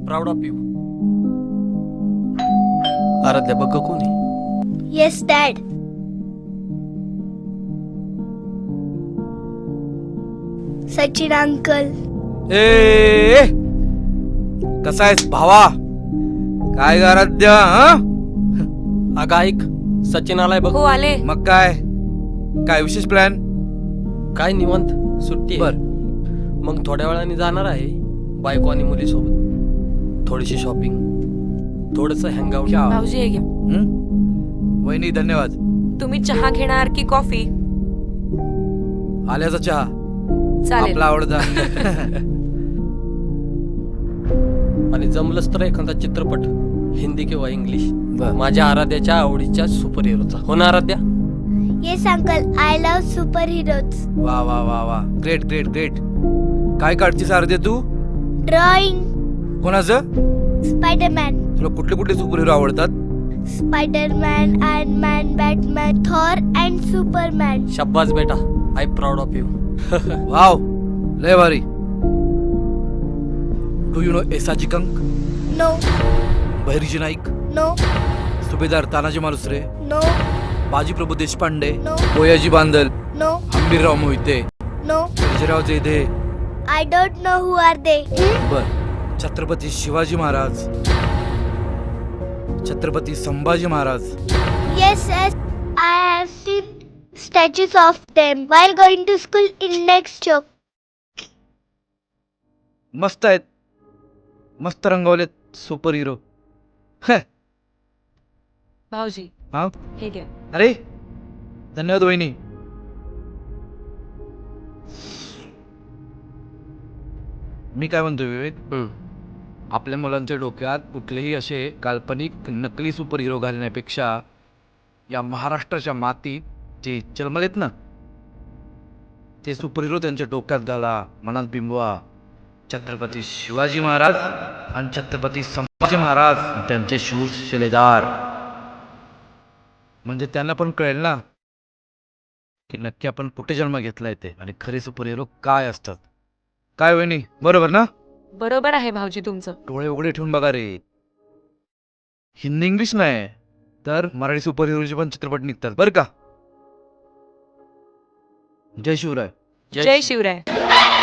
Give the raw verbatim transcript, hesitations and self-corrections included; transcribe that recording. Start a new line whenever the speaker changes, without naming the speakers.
Proud of you. Aaradhya बघ कोण आहे?
Yes, Dad. सचिन अंकल.
ए, ए कसा आहेस भावा? काय ग आराध्या?
अगं ऐक, सचिन आलाय बघ.
हो आले.
मग काय काय विशेष प्लॅन?
काय निवांत सुट्टी
बर.
आहे. मग थोड्या वेळाने जाणार आहे बायको आणि मुलीसोबत. थोडीशी शॉपिंग, थोडस हँगआउट.
क्या?
भाऊजी हे घ्या.
हं? वहिनी धन्यवाद.
तुम्ही चहा घेणार की कॉफी?
आल्याचा चहा
चालेल.
आपला आवडता.
आणि जमलंच तर एखादा चित्रपट, हिंदी किंवा इंग्लिश,
बर.
माझ्या आराध्याच्या आवडीच्या सुपर हिरोचा. हो ना Aaradhya?
Yes, Uncle. I love superheroes.
वा वा वा वा ग्रेट ग्रेट ग्रेट. काय काढतीस आराध्या तू?
Drawing.
कोणाचं?
Spider-Man.
तुला कुठले कुठले सुपर हिरो आवडतात?
Spider-Man, Iron Man, Batman, Thor, and Superman.
शब्बास बेटा, I proud of you.
Wow, लय भारी. Do you know Yesaji Kank?
No,
Bahirji Naik,
no,
सुभेदार Tanaji Malusare,
no,
Bajiprabhu Deshpande,
No.
बोयाजी Bandal,
no,
Hambirrao Mohite,
no.
Sarjerao जेधे.
I don't know who are they.
बर. Chhatrapati Shivaji Maharaj, Chhatrapati Sambhaji Maharaj.
Yes, yes. I have seen statues of them while going to school in next shop.
मस्त आहेत, मस्त रंगवलेत super hero.
भाऊजी
हा?
हे घ्या.
अरे धन्यवाद वहिनी. मी काय म्हणतो विवेक,
हम्म.
आपल्या मुलांच्या डोक्यात कुठलेही असे काल्पनिक नकली सुपर हिरो घालण्यापेक्षा या महाराष्ट्राच्या मातीत जे जन्मलेत ना ते सुपर हिरो त्यांच्या डोक्यात घाला, मनात बिंबवा. छत्रपती शिवाजी महाराज आणि छत्रपती संभाजी महाराज त्यांचे शूर शिलेदार. म्हणजे त्यांना पण कळेल ना की नक्की आपण कुठे जन्म घेतलाय ते आणि खरे सुपर हिरो काय असतात. काय वहिनी, बरोबर ना?
बरोबर आहे भाऊजी तुमचं.
डोळे उघडे ठेवून बघा रे. हिंदी इंग्लिश नाही तर मराठी सुपर हिरोचे पण चित्रपट निघतात बरं का. जय शिवराय.
जय शिवराय.